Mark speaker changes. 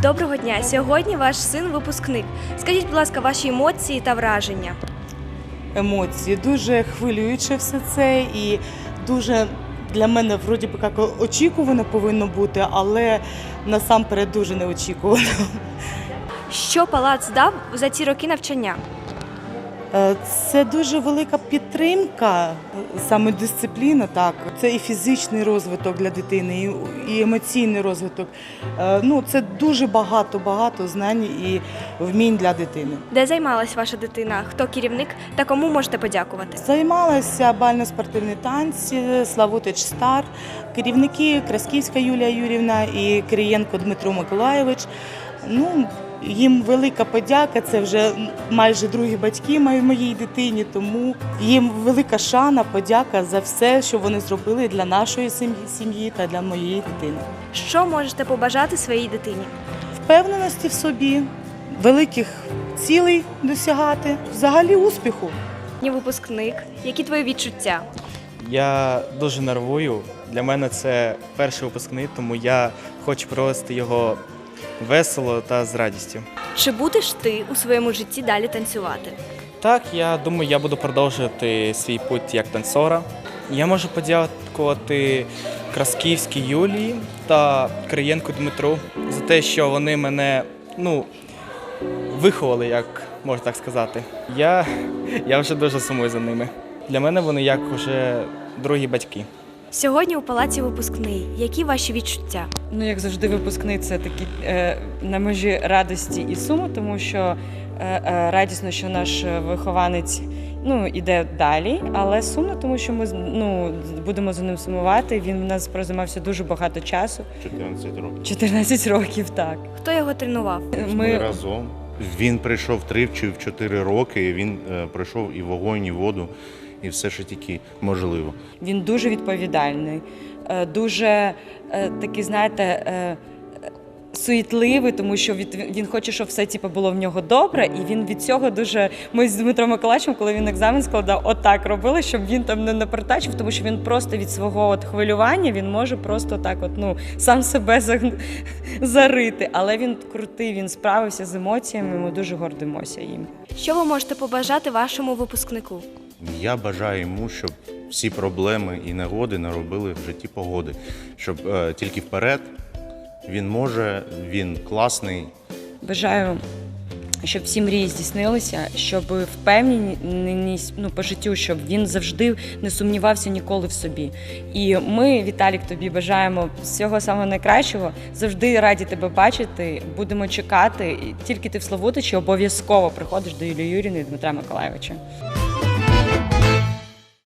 Speaker 1: Доброго дня! Сьогодні ваш син випускник. Скажіть, будь ласка, ваші емоції та враження.
Speaker 2: Емоції. Дуже хвилююче все це і дуже для мене вроді би як очікувано повинно бути, але насамперед дуже неочікувано.
Speaker 1: Що палац дав за ці роки навчання?
Speaker 2: Це дуже велика підтримка, саме дисципліна, так. Це і фізичний розвиток для дитини, і емоційний розвиток. Це дуже багато знань і вмінь для дитини.
Speaker 1: Де займалась ваша дитина? Хто керівник та кому можете подякувати?
Speaker 2: Займалася бально-спортивні танці, Славутич Стар, керівники Красківська Юлія Юрівна і Кирієнко Дмитро Миколайович. Їм велика подяка, це вже майже другі батьки моїй дитині, тому їм велика шана, подяка за все, що вони зробили для нашої сім'ї та для моєї дитини.
Speaker 1: Що можете побажати своїй дитині?
Speaker 2: Впевненості в собі, великих цілей досягати, взагалі успіху.
Speaker 1: Випускник. Які твої відчуття?
Speaker 3: Я дуже нервую. Для мене це перший випускник, тому я хочу провести його весело та з радістю.
Speaker 1: Чи будеш ти у своєму житті далі танцювати?
Speaker 3: Так, я думаю, я буду продовжувати свій путь як танцора. Я можу подякувати Красківській Юлії та Кирієнку Дмитру за те, що вони мене виховали, як можна так сказати. Я вже дуже сумую за ними. Для мене вони як вже другі батьки.
Speaker 1: Сьогодні у палаці випускний. Які ваші відчуття?
Speaker 4: Як завжди, випускний – це такі на межі радості і суму, тому що радісно, що наш вихованець іде далі, але сумно, тому що ми будемо за ним сумувати. Він в нас прозаймався дуже багато часу.
Speaker 5: 14 років.
Speaker 4: 14 років, так.
Speaker 1: Хто його тренував?
Speaker 5: Ми разом. Він прийшов 3 чи 4 роки, він пройшов і вогонь, і воду, і все, що тільки можливо.
Speaker 4: Він дуже відповідальний, дуже такий, суетливий, тому що він хоче, щоб все було в нього добре, і він від цього дуже... Ми з Дмитром Миколайовичем, коли він екзамен складав, отак робили, щоб він там не напертачив, тому що він просто від свого хвилювання, він може просто так сам себе зарити. Але він крутий, він справився з емоціями, ми дуже гордимося їм.
Speaker 1: Що ви можете побажати вашому випускнику?
Speaker 5: Я бажаю йому, щоб всі проблеми і негоди наробили в житті погоди, щоб тільки вперед. Він може, він класний.
Speaker 4: Бажаю, щоб всі мрії здійснилися, щоб впевненість по життю, щоб він завжди не сумнівався ніколи в собі. І ми, Віталік, тобі бажаємо всього самого найкращого, завжди раді тебе бачити, будемо чекати. І тільки ти в Славутичі обов'язково приходиш до Юлії Юріївни і Дмитра Миколайовича.